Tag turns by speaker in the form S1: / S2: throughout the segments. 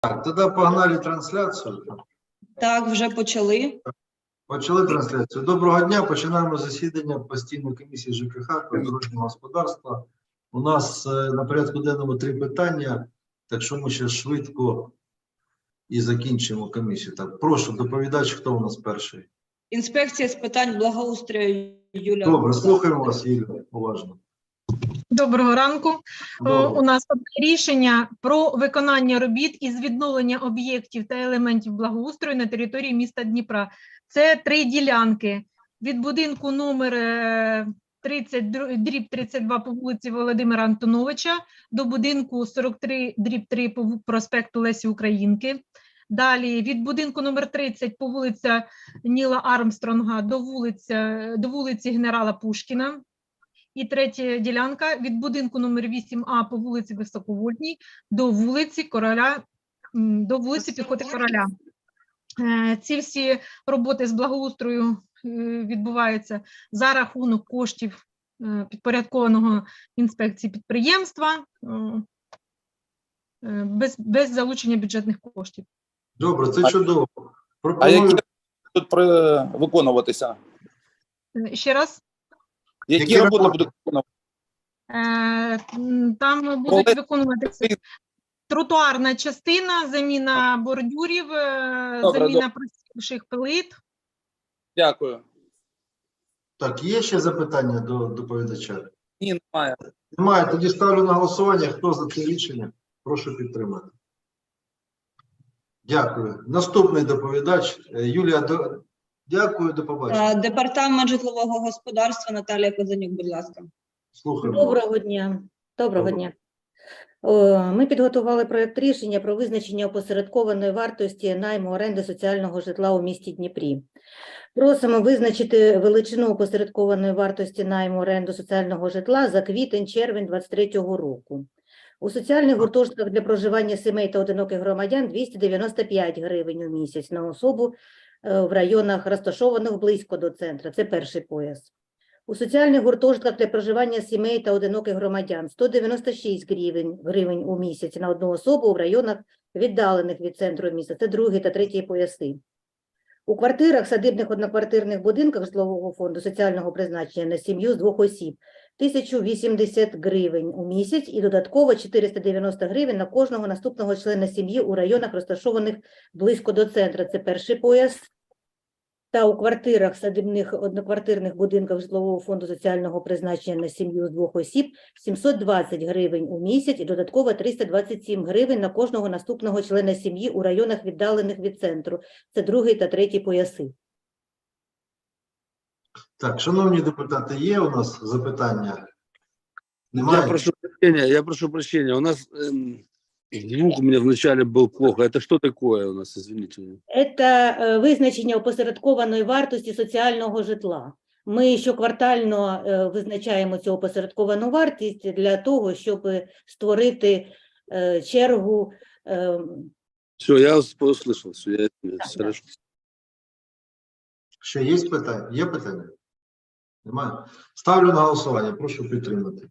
S1: Так, тоді погнали трансляцію.
S2: Так, вже почали.
S1: Почали трансляцію. Доброго дня. Починаємо засідання постійної комісії ЖКХ та дорожнього господарства. У нас на порядку денному 3 питання, так що ми ще швидко і закінчимо комісію. Так, прошу, доповідач, хто у нас перший?
S2: Інспекція з питань благоустрою Юлія.
S1: Добре, слухаємо вас, Юлія, уважно.
S3: Доброго ранку.
S1: Добре.
S3: У нас рішення про виконання робіт із відновлення об'єктів та елементів благоустрою на території міста Дніпра. Це 3 ділянки. Від будинку номер 30/32 по вулиці Володимира Антоновича до будинку 43/3 по проспекту Лесі Українки. Далі від будинку номер 30 по вулиця Ніла Армстронга до вулиці Генерала Пушкіна. І третя ділянка від будинку номер 8А по вулиці Високовольтній до вулиці Піхоти Короля. Ці всі роботи з благоустрою відбуваються за рахунок коштів підпорядкованого інспекції підприємства, без залучення бюджетних коштів.
S1: Добре, це чудово.
S4: А які будуть виконуватися?
S3: Ще раз.
S4: Які роботи будуть виконуватися?
S3: Там будуть виконуватися тротуарна частина, заміна бордюрів, заміна просівших плит.
S4: Дякую.
S1: Так, є ще запитання до доповідача?
S4: Ні, немає.
S1: Немає, тоді ставлю на голосування. Хто за це рішення? Прошу підтримати. Дякую. Наступний доповідач. Юлія, дякую, до побачення.
S2: Департамент житлового господарства Наталія Козанюк, будь ласка.
S1: Слухаємо.
S5: Доброго дня. Доброго дня. Ми підготували проєкт рішення про визначення опосередкованої вартості найму оренди соціального житла у місті Дніпрі. Просимо визначити величину опосередкованої вартості найму оренди соціального житла за квітень-червень 2023 року. У соціальних гуртожитках для проживання сімей та одиноких громадян 295 гривень у місяць на особу в районах, розташованих близько до центру. Це перший пояс. У соціальних гуртожитках для проживання сімей та одиноких громадян 196 гривень у місяць на одну особу в районах, віддалених від центру міста. Це другий та третій пояси. У квартирах, садибних одноквартирних будинках житлового фонду соціального призначення на сім'ю з 2 осіб 1080 гривень у місяць і додатково 490 гривень на кожного наступного члена сім'ї у районах, розташованих близько до центру. Це перший пояс. Та у квартирах, садибних одноквартирних будинках житлового фонду соціального призначення на сім'ю з 2 осіб 720 гривень у місяць і додатково 327 гривень на кожного наступного члена сім'ї у районах, віддалених від центру. Це другий та третій пояси.
S1: Так, шановні депутати, є у нас запитання?
S6: Я
S1: Немає?
S6: прошу прощения. У нас звук у меня вначале был плохо. Это что такое у нас, извините?
S5: Це визначення опосередкованої вартості соціального житла. Ми щоквартально визначаємо цю опосередковану вартість для того, щоб створити чергу.
S6: Все, я вас услышал. Все, я
S5: Так.
S6: хорошо.
S1: Ще є питання? Є питання? Немає? Ставлю на голосування. Прошу підтримати.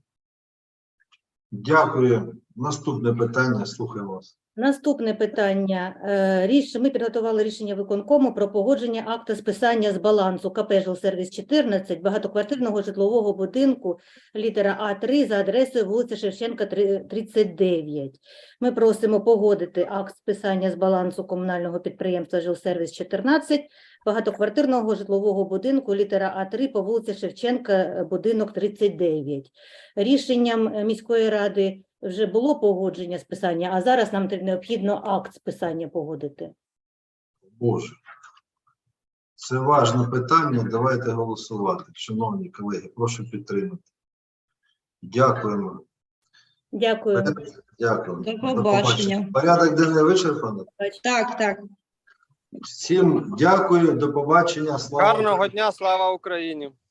S1: Дякую. Наступне питання. Слухаю вас.
S5: Наступне питання. Ми підготували рішення виконкому про погодження акта списання з балансу КП «Жилсервіс-14» багатоквартирного житлового будинку літера А3 за адресою вулиця Шевченка, 39. Ми просимо погодити акт списання з балансу комунального підприємства «Жилсервіс-14» багатоквартирного житлового будинку літера А3 по вулиці Шевченка, будинок 39. Рішенням міської ради вже було погодження списання, а зараз нам необхідно акт списання погодити.
S1: Боже. Це важне питання. Давайте голосувати. Шановні колеги, прошу підтримати. Дякуємо.
S5: Дякую.
S1: Дякую.
S2: До побачення.
S1: Порядок денний вичерпано.
S2: Так.
S1: Всім дякую, до побачення. Слава
S7: Гарного дня, слава Україні!